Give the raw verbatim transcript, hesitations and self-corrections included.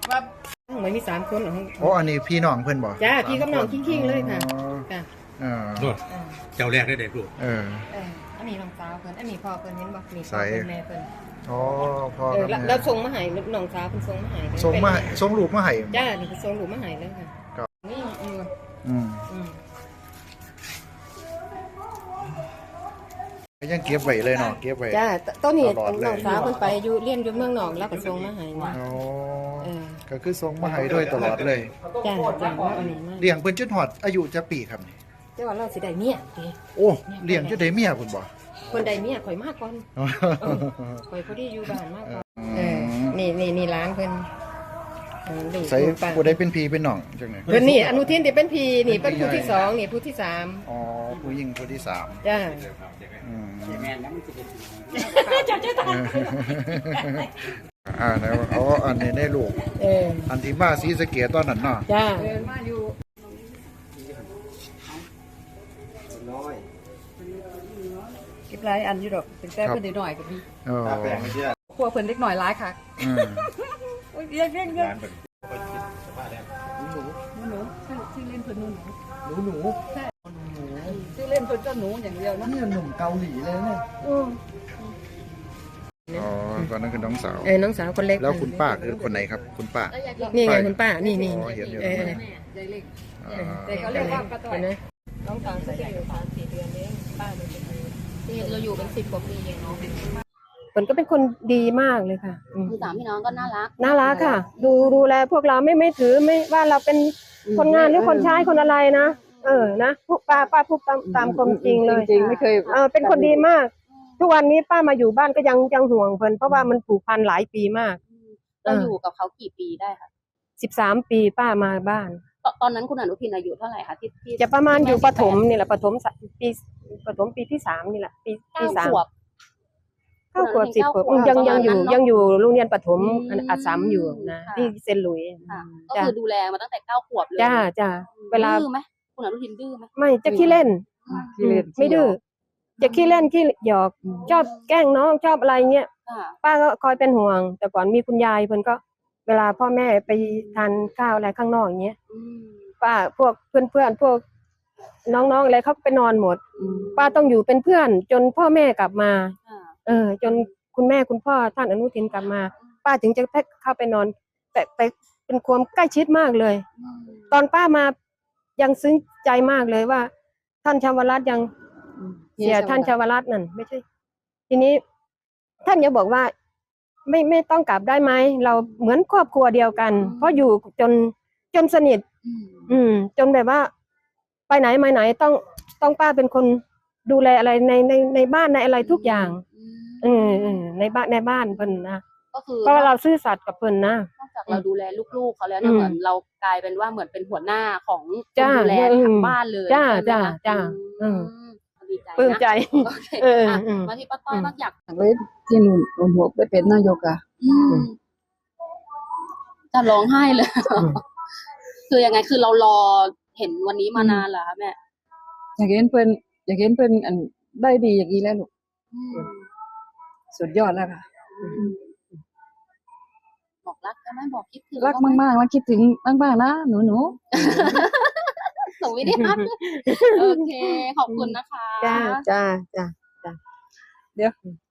ว่าเหมือนมีสามคนเหรอโอ้อันนี้พี่น้องเพื่อนบอกจ้าพี่กับน้องคิงๆเลยค่ะค่ะเออโน่นเจ้าแรกได้เด็กลูกเออเอออันนี้น้องสาวเพิ่นอันนี้พ่อเพิ่นเห็นบ่มีพ่ใส่อเพิ่นแม่เพิ่นอ๋อพ่อเออกับแล้วแม่แล้วส่งมาให้น้องสาวเพิ่นส่งมาให้ส่งมาส่งรูปมาให้จ้านี่เพิ่นส่งรูปมาให้เลยค่ะครับนี่อยู่อืมอืมก็ยังเก็บไว้เลยเนาะเก็บไว้จ้าต้นนี้ตลอดเลยน้องสาวเพิ่นไปอยู่เรียนอยู่เมืองนอกแล้วก็ส่งมาให้นี่อ๋อเออก็คือส่งมาให้ด้วยตลอดเลยจ้าจ้าว่าอันนี้มาเลี้ยงเพิ่นจนฮอดอายุจะปีครับนี่แต่ว่าเราสิได้เมียเด้โอ้เลี้ยงจนได้เมียพุ่นบ่คนใดเมียข่อยมากก่อนอ๋อข่อยพอดีอยู่บ้านมากก่อนเออนี่นี่นี่ร้านเพิ่นเออลูกใส่ลูกป้าผู้ใดเป็นพี่เป็นน้องจังได๋เพิ่นนี่อนุทินที่เป็นพีนี่เป็นผู้ที่สองนี่ผู้ที่สามอ๋อผู้หญิงผู้ที่สามจ้าอืมแม่นั้นมันจะเป็นจ้าจ้าจ้าอ่าแล้วอ๋ออันนี้ได้ลูกเอออันที่มาศรีสะเกษตอนนั้นเนาะจ้าน้อยเก็บหลายอันอยู่ดอกเป็นแต่เพิ่นได้หน่อยก็มีอ๋อตาแปลงไม่เชื่อครัวเพิ่นเล็กหน่อยหลายค่ะอืมโอ้ยเรียกเรียกเรียกร้านเป็นคนคิดสภาพแล้วหนูหนูชื่อชื่อเล่นเพิ่นหนูหนูหนูหนูใช่ชื่อเล่นเพิ่นก็หนูอย่างเดียวนะนี่หนุ่มเกาหลีเลยเนี่ยอืมอ๋อตอนนั้นคือน้องสาวเออน้องสาวคนเล็กแล้วคุณป้าคือคนไหนครับ คุณป้านี่ไงคุณป้านี่นี่อ๋อเห็นอยู่เออยายเล็กอ๋อแต่เขาเรียกว่าป้าต้อยเห็นไหมน้องสาวจะอยู่สามสี่เดือนเองป้าเลยที่เราอยู่เป็นสิบกว่าปีเองเนาะเพิ่นก็เป็นคนดีมากเลยค่ะอืมคือสามพี่น้องก็น่ารักน่ารักค่ะ ดูดูแลพวกเราไม่ไม่ถือไม่ว่าเราเป็นคนงานหรือคนใช้คนอะไรนะเออนะพวกป้าป้าพูดตามตามความจริงเลยจริงๆไม่เคยเออเป็นคนดีมาก ทุกวันนี้ป้ามาอยู่บ้านก็ยังยังห่วงเพิ่นเพราะว่ามันผูกพันหลายปีมากเราอยู่กับเขากี่ปีได้คะสิบสามปีป้ามาบ้านตตอนนั้นคุณอนุทินอายุเท่าไหร่คะที่ที่จะประมาณอยู่ที่ปแสิบแฐมนี่แหละปฐมสปีปฐมปีที่สามนี่แหละปีเก้าที่สามขวบเก้าขวบสิบขวบเก้าขวบยังยังอยู่ประมาณนั้นเนอะยังอยู่โรงเรียนปฐมอืมอันอัสสัมอยู่นะค่ะที่เซนต์หลุยส์ค่ะก็จ้ะคือดูแลมาตั้งแต่เก้าขวบเลยจ้าจ้าเวลาดื้อไหมคุณอนุทินดื้อไหมไม่จะขี้เล่นขี้เล่นไม่ดื้อจะขี้เล่นขี้หยอกชอบแกล้งน้องชอบอะไรเงี้ยค่ะป้าก็คอยเป็นห่วง แต่ก่อนมีคุณยายเพิ่นก็เวลาพ่อแม่ไปทานข้าวอะไรข้างนอกอย่างเงี้ยอืมป้าพวกเพื่อนๆพวกน้องๆอะไรเขาไปนอนหมด ป้าต้องอยู่เป็นเพื่อน จนพ่อแม่กลับมาค่ะเออ จนคุณแม่คุณพ่อท่านอนุทินกลับมา ป้าถึงจะเข้าไปนอน แต่แต่เป็นความใกล้ชิดมากเลยอืมตอนป้ามายังซึ้งใจมากเลยว่า ท่านชาวรัตน์ยังเสียท่านชาวรัตน์นั่นไม่ใช่ ทีนี้ ท่านยังบอกว่า ไม่ไม่ต้องกลับได้ไหมเราเหมือนครอบครัวเดียวกัน เพราะอยู่จนจนสนิทอืมอืม จนแบบว่า ไปไหนมาไหนต้องต้องป้าเป็นคนดูแลอะไรในในในบ้านในอะไรทุกอย่างอืมเออเออในบ้านในบ้านเพิ่นนะก็คือเพราะว่าเราซื่อสัตย์กับเพิ่นนะนอกจากเราดูแลลูกๆเขาแล้วเนี่ยอืมเหมือนเรากลายเป็นว่าเหมือนเป็นหัวหน้าของคนจ้าดูแลอืมทั้งบ้านเลยจ้าใช่ไหมจ้าคะจ้าอืมอืมดีใจนะปลื้มใจโอเคเอออ่ะอืมมาที่ป้าต้อยอืมบ้างอยากไว้ที่หนุนหนุนหัวได้เป็นนายกอ่ะอืมจะร้องไห้เลยอืมคือยังไงคือเรารอเห็นวันนี้มานานเหรอคะแม่อยากเห็นเพิ่นอยากเห็นเพิ่นอันได้ดีอย่างนี้แล้วลูกอืมสุดยอดแล้วค่ะบอกรักใช่ไหมบอกคิดถึงรักมากๆแล้วคิดถึงมากๆนะหนูหนูส่งวิดีโอโอเค ขอบคุณนะคะจ้าจ้าจ้าเดี๋ยว